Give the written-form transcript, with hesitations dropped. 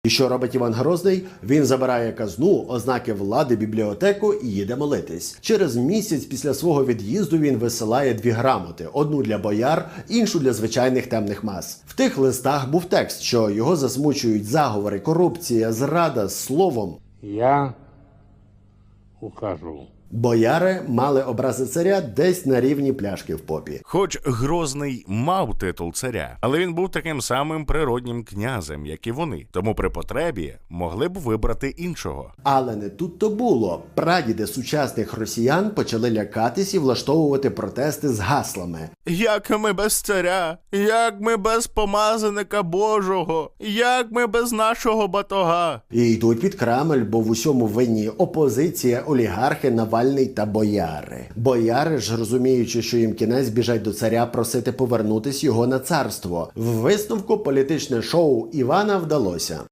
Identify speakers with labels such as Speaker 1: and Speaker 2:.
Speaker 1: І що робить Іван Грозний? Він забирає казну, ознаки влади, бібліотеку і їде молитись. Через місяць після свого від'їзду він висилає 2 грамоти. Одну для бояр, іншу для звичайних темних мас. В тих листах був текст, що його засмучують заговори, корупція, зрада, словом.
Speaker 2: Я ухожу.
Speaker 1: Бояри мали образи царя десь на рівні пляшки в попі.
Speaker 3: Хоч Грозний мав титул царя, але він був таким самим природнім князем, як і вони. Тому при потребі могли б вибрати іншого.
Speaker 1: Але не тут-то було. Прадіди сучасних росіян почали лякатись і влаштовувати протести з гаслами.
Speaker 3: Як ми без царя? Як ми без помазаника Божого? Як ми без нашого батога?
Speaker 1: І йдуть під Кремль, бо в усьому винні опозиція, олігархи, Навальний та бояри. Бояри ж, розуміючи, що їм кінець, біжать до царя просити повернутись його на царство. В висновку політичне шоу Івана вдалося.